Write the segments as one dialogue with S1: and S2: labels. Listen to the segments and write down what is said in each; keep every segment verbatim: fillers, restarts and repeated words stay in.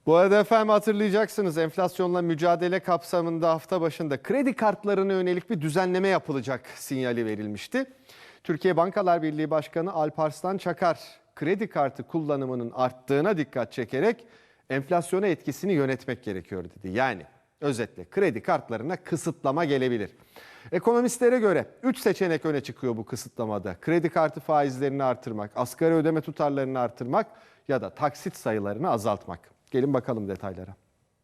S1: Bu arada efendim hatırlayacaksınız, enflasyonla mücadele kapsamında hafta başında kredi kartlarına yönelik bir düzenleme yapılacak sinyali verilmişti. Türkiye Bankalar Birliği Başkanı Alparslan Çakar, kredi kartı kullanımının arttığına dikkat çekerek enflasyona etkisini yönetmek gerekiyor dedi. Yani özetle kredi kartlarına kısıtlama gelebilir. Ekonomistlere göre üç seçenek öne çıkıyor bu kısıtlamada. Kredi kartı faizlerini artırmak, asgari ödeme tutarlarını artırmak ya da taksit sayılarını azaltmak. Gelin bakalım detaylara.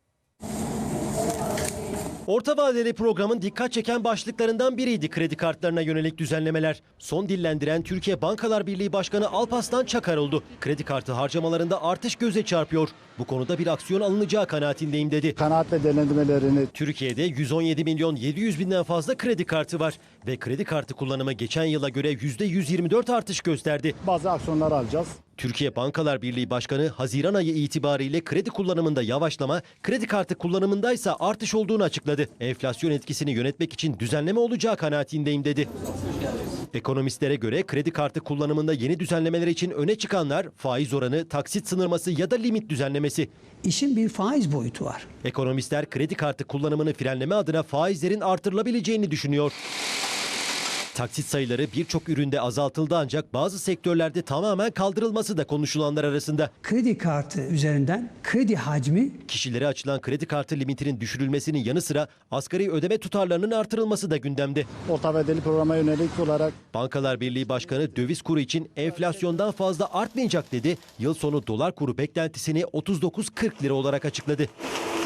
S2: Orta vadeli programın dikkat çeken başlıklarından biriydi kredi kartlarına yönelik düzenlemeler. Son dillendiren Türkiye Bankalar Birliği Başkanı Alparslan Çakar oldu. Kredi kartı harcamalarında artış göze çarpıyor. Bu konuda bir aksiyon alınacağı kanaatindeyim dedi.
S3: Kanaat ve değerlendirmelerini
S2: Türkiye'de yüz on yedi milyon yedi yüz binden fazla kredi kartı var ve kredi kartı kullanımı geçen yıla göre yüzde yüz yirmi dört artış gösterdi.
S3: bazı aksiyonlar alacağız.
S2: Türkiye Bankalar Birliği Başkanı Haziran ayı itibariyle kredi kullanımında yavaşlama, kredi kartı kullanımındaysa artış olduğunu açıkladı. Enflasyon etkisini yönetmek için düzenleme olacağı kanaatindeyim dedi. Ekonomistlere göre kredi kartı kullanımında yeni düzenlemeler için öne çıkanlar faiz oranı, taksit sınırması ya da limit düzenlemesi.
S4: İşin bir faiz boyutu var.
S2: Ekonomistler kredi kartı kullanımını frenleme adına faizlerin artırılabileceğini düşünüyor. Taksit sayıları birçok üründe azaltıldı ancak bazı sektörlerde tamamen kaldırılması da konuşulanlar arasında.
S4: Kredi kartı üzerinden kredi hacmi
S2: Kişilere açılan kredi kartı limitinin düşürülmesinin yanı sıra asgari ödeme tutarlarının artırılması da gündemde.
S3: Orta vadeli programa yönelik olarak
S2: Bankalar Birliği Başkanı döviz kuru için enflasyondan fazla artmayacak dedi. Yıl sonu dolar kuru beklentisini otuz dokuz kırk lira olarak açıkladı.